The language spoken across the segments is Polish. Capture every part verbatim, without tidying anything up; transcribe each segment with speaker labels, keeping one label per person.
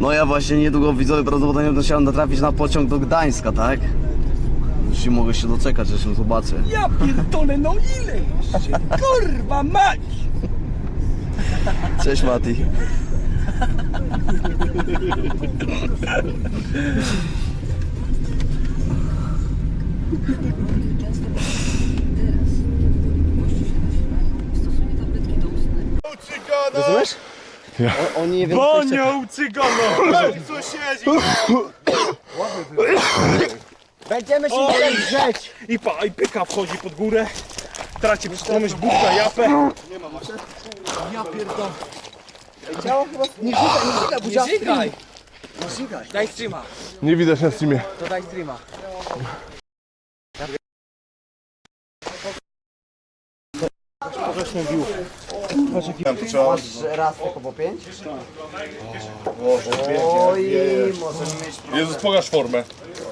Speaker 1: No ja właśnie niedługo widzowie prawdopodobnie będę chciał natrafić na pociąg do Gdańska, tak? Już nie mogę się doczekać, że się zobaczę.
Speaker 2: Ja pierdolę, no ile jeszcze? Kurwa mać!
Speaker 1: Cześć Mati. Rozumiesz?
Speaker 3: Ja.
Speaker 1: O, oni nie wiem,
Speaker 2: Bonią cygano! Sąsiedzi!
Speaker 1: będziemy się tutaj grzeć.
Speaker 2: I pa, i pyka wchodzi pod górę. Traci przytomność, bucha, japę.
Speaker 1: Ja pierdolę. Ciało chyba... Nie żygaj, nie żygaj, budzia. Nie żygaj. Nie żygaj. Daj streama.
Speaker 3: Nie widać na streamie.
Speaker 1: To daj streama. Masz raz tylko po pięć? Oj, możemy mieć...
Speaker 3: Jezus, pokaż formę.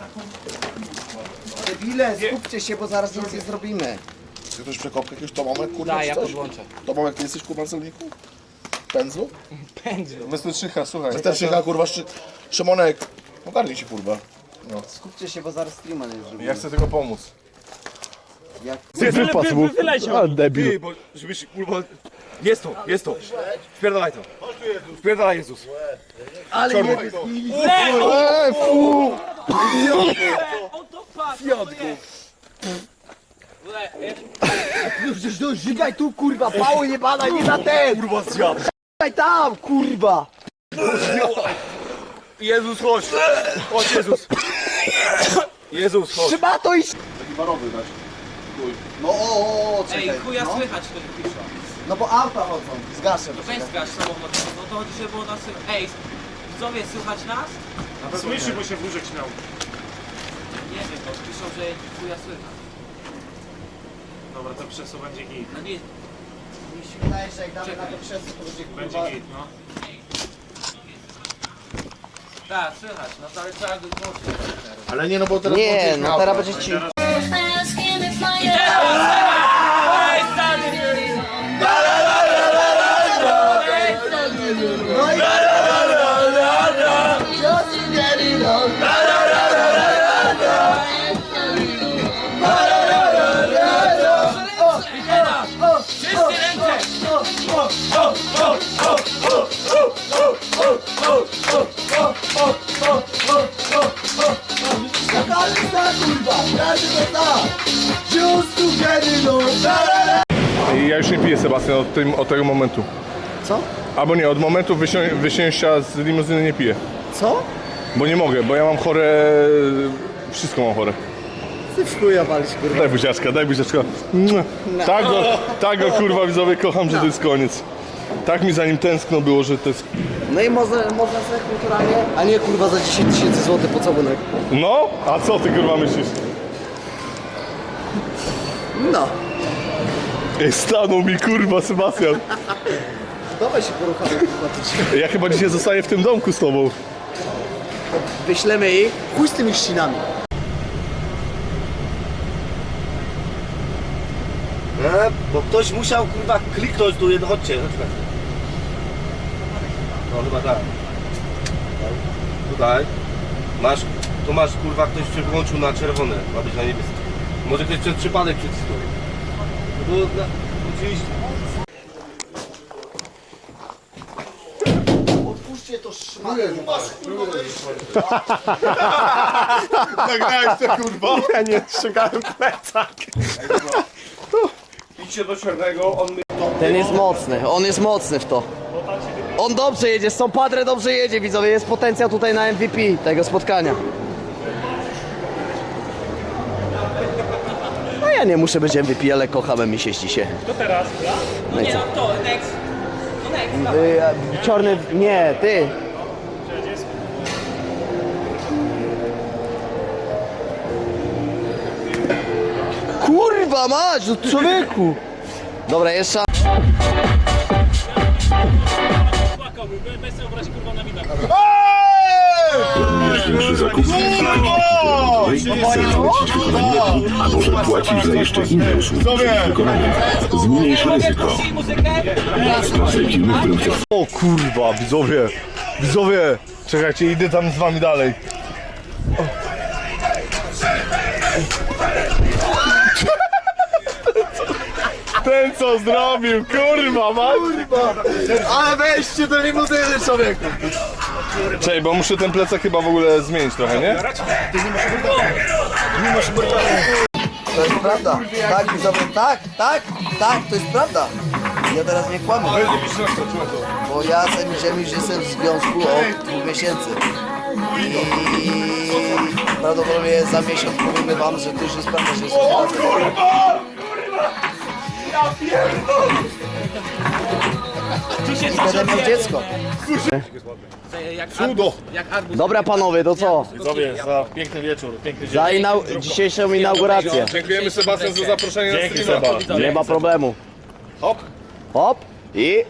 Speaker 1: Debile, skupcie się, bo zaraz nic nie zrobimy.
Speaker 4: Czy ktoś przekopkę jakiegoś Tomomek, kurwa,
Speaker 5: Da,
Speaker 4: czy
Speaker 5: ja
Speaker 4: coś?
Speaker 5: podłączę.
Speaker 4: Tomomek, ty jesteś, kurwa, na celniku? Pędzlu?
Speaker 5: Pędzlu.
Speaker 3: Mestyczycha, słuchaj.
Speaker 4: Wystarczycha, kurwa, szy... Szymonek, ogarnij się, kurwa.
Speaker 1: Skupcie się, bo zaraz streama nie zrobimy.
Speaker 3: Ja chcę tylko pomóc.
Speaker 1: Jak...
Speaker 3: Wypadł mu.
Speaker 2: Wyleciał.
Speaker 3: A, debil.
Speaker 2: Ty, bo żebyś, kurwa... Jest to, jest to. Wpierdalaj to. Wpierdalaj Jezus.
Speaker 1: Ale
Speaker 2: Czarny.
Speaker 1: nie...
Speaker 3: Eee, fu!
Speaker 1: Przecież no, żygaj tu, kurwa, pało jebana, nie na ten!
Speaker 2: Kurwa zjadł.
Speaker 1: Żygaj tam, kurwa!
Speaker 2: Jezus, chodź. Chodź Jezus. Jezus, chodź.
Speaker 1: Trzeba to iść!
Speaker 4: Taki barowy dać.
Speaker 1: No o, o, o, czekaj.
Speaker 5: Ej, chuja
Speaker 1: no.
Speaker 5: słychać to piszą.
Speaker 1: No bo auta chodzą, zgaszę.
Speaker 5: To weź zgaś samochód, no to chodzi, żeby było nas słychać. Ej, widzowie, słychać nas?
Speaker 2: Słyszy, bo się wróżek śmiał.
Speaker 5: Nie wiem, bo piszą, że chuja słychać.
Speaker 2: Dobra, to przez to będzie git.
Speaker 5: No nie,
Speaker 1: Mi się wydaje, że jak damy na to krzesło, to będzie kurwa...
Speaker 2: Będzie git, no.
Speaker 5: tak, słychać, no to ale trzeba go głośno.
Speaker 4: Ale nie, no bo teraz...
Speaker 1: Nie,
Speaker 4: włączyłeś
Speaker 1: no
Speaker 4: miał,
Speaker 1: teraz
Speaker 4: tak?
Speaker 1: będzie ci...
Speaker 3: Ja już nie piję, Sebastian, od, tym, od tego momentu.
Speaker 1: Co?
Speaker 3: Albo nie, od momentu wysią- wysięcia z limuzyny nie piję.
Speaker 1: Co?
Speaker 3: Bo nie mogę, bo ja mam chore... Wszystko mam chore.
Speaker 1: Ty w chuja walić, kurwa.
Speaker 3: Daj buziaczka, daj buziaczka. Mua. Tak go, tak go kurwa widzowie kocham, że to jest koniec. Tak mi za nim tęskno było, że to jest...
Speaker 1: No i można, można sobie kulturalnie... A nie kurwa za dziesięć tysięcy złotych pocałunek.
Speaker 3: No? A co ty kurwa myślisz?
Speaker 1: No.
Speaker 3: Ej, stanął mi kurwa Sebastian.
Speaker 1: Dawaj się poruchamy, kurwa, ty.
Speaker 3: Ja chyba dzisiaj zostaję w tym domku z tobą.
Speaker 1: Wyślemy ich. Chuj z tymi ścinami.
Speaker 6: E, bo ktoś musiał kurwa kliknąć tu, jedno, chodźcie, chodźmy. No chyba tak. Tutaj. Masz, tu masz kurwa, ktoś się wyłączył na czerwone, ma być na niebieskie. Może ktoś przez przypadek przycisnął. No bo na, oczywiście.
Speaker 1: Odpuśćcie to szmatę.
Speaker 3: Nagrałeś to kurwa? Ja nie strzegałem plecak.
Speaker 2: Idźcie do czarnego, on my...
Speaker 1: Ten jest mocny, on jest mocny w to. On dobrze jedzie, z tą Padre dobrze jedzie, widzowie. Jest potencjał tutaj na M V P tego spotkania. No ja nie muszę być M V P, ale kocham M I się.
Speaker 2: To teraz, ja?
Speaker 1: No i
Speaker 5: Nie
Speaker 1: co?
Speaker 5: no, to, next. No next,
Speaker 1: Y, a, czarny, nie, ty. Kurwa mać, no człowieku. Dobra, jeszcze.
Speaker 7: Przy zakupie zapłacić wykonanie, a może płacić za jeszcze inne usługi przed wykonaniem. Zmniejsz ryzyko. Sprawdzaj firmy, którym chcesz.
Speaker 3: O kurwa, widzowie. Widzowie, czekajcie, idę tam z wami dalej. O. Ten co zrobił, kurwa, mać.
Speaker 4: Ale weźcie do limuzyny, człowieku!
Speaker 3: Czekaj, bo muszę ten plecak chyba w ogóle zmienić trochę, nie?
Speaker 1: To jest prawda. Tak, widzowie, tak, tak, tak, to jest prawda. Ja teraz nie kłamię. Bo ja z Emilem już jestem w związku od dwóch miesięcy. I prawdopodobnie za miesiąc powiemy wam, że to już jest prawda, że jesteśmy razem.
Speaker 5: Tu się
Speaker 1: I będę miał dziecko.
Speaker 5: Jak
Speaker 3: Cudo.
Speaker 5: arbuz, jak arbuz.
Speaker 1: Dobra panowie, to co?
Speaker 3: Widzowie, za piękny wieczór, piękny dzień.
Speaker 1: Za inau- dzisiejszą inaugurację.
Speaker 3: Dziękujemy Sebastian za zaproszenie na streama.
Speaker 1: Nie ma problemu.
Speaker 3: Hop.
Speaker 1: Hop i...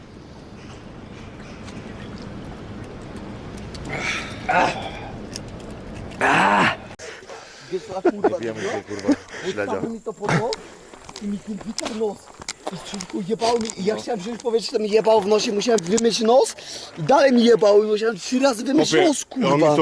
Speaker 4: Wiemy się, kurwa, śledzia.
Speaker 1: mi to podło i mi ten gitar nos. I człowieku jebał mi i ja chciałem wziąć powietrze, to mi jebał w nosie, musiałem wymyć nos i dalej mi jebał i musiałem trzy razy wymyć
Speaker 3: Chłopie,
Speaker 1: nos,
Speaker 3: on mi
Speaker 1: kurwa.